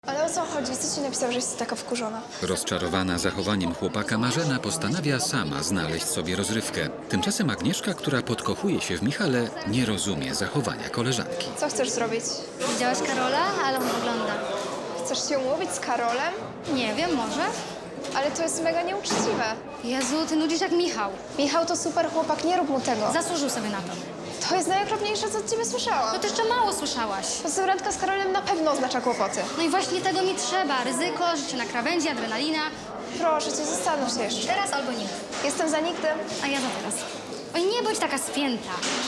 Ale o co chodzi? Co ci napisał, że jesteś taka wkurzona? Rozczarowana zachowaniem chłopaka, Marzena postanawia sama znaleźć sobie rozrywkę. Tymczasem Agnieszka, która podkochuje się w Michale, nie rozumie zachowania koleżanki. Co chcesz zrobić? Widziałaś Karola? Ale on wygląda. Chcesz się umówić z Karolem? Nie wiem, może? Ale to jest mega nieuczciwe. Jezu, ty nudzisz jak Michał. Michał to super chłopak, nie rób mu tego. Zasłużył sobie na to. To jest najokropniejsze, co od ciebie słyszałam. No to jeszcze mało słyszałaś. To randka z Karolem na pewno oznacza kłopoty. No i właśnie tego mi trzeba. Ryzyko, życie na krawędzi, adrenalina. Proszę cię, zastanów się jeszcze. Teraz albo nigdy. Jestem za nigdy. A ja za teraz. Oj, nie bądź taka spięta.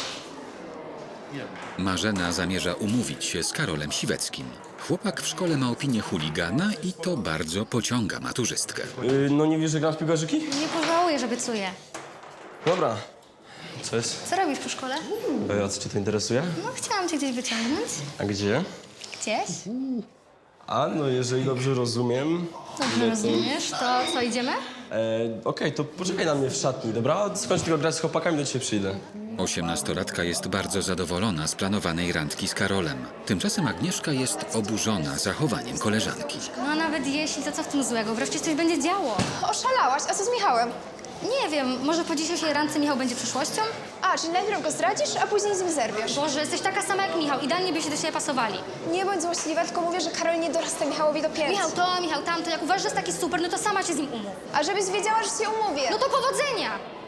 Marzena zamierza umówić się z Karolem Siweckim. Chłopak w szkole ma opinię chuligana i to bardzo pociąga maturzystkę. No nie wiesz, że gram w piłkarzyki? Nie pożałuję, że obiecuję. Dobra. Co jest? Co robisz po szkole? A co cię to interesuje? No, chciałam cię gdzieś wyciągnąć. A gdzie? Gdzieś? A, no jeżeli dobrze rozumiem... Dobrze rozumiesz. To co, idziemy? Okej, to poczekaj na mnie w szatni, dobra? Skończ tylko grać z chłopakami, do ciebie przyjdę. 18-latka jest bardzo zadowolona z planowanej randki z Karolem. Tymczasem Agnieszka jest oburzona zachowaniem koleżanki. No a nawet jeśli, to co w tym złego? Wreszcie coś będzie działo. Oszalałaś? A co z Michałem? Nie wiem, może po dzisiejszej randce Michał będzie przyszłością? A, czyli najpierw go zdradzisz, a później z nim zerwiesz. Boże, jesteś taka sama jak Michał. Idealnie by się do siebie pasowali. Nie bądź złośliwa, tylko mówię, że Karol nie dorasta Michałowi do pięt. Michał to, Michał tamto. Jak uważasz, że jest taki super, no to sama się z nim umów. A żebyś wiedziała, że się umówię. No to powodzenia!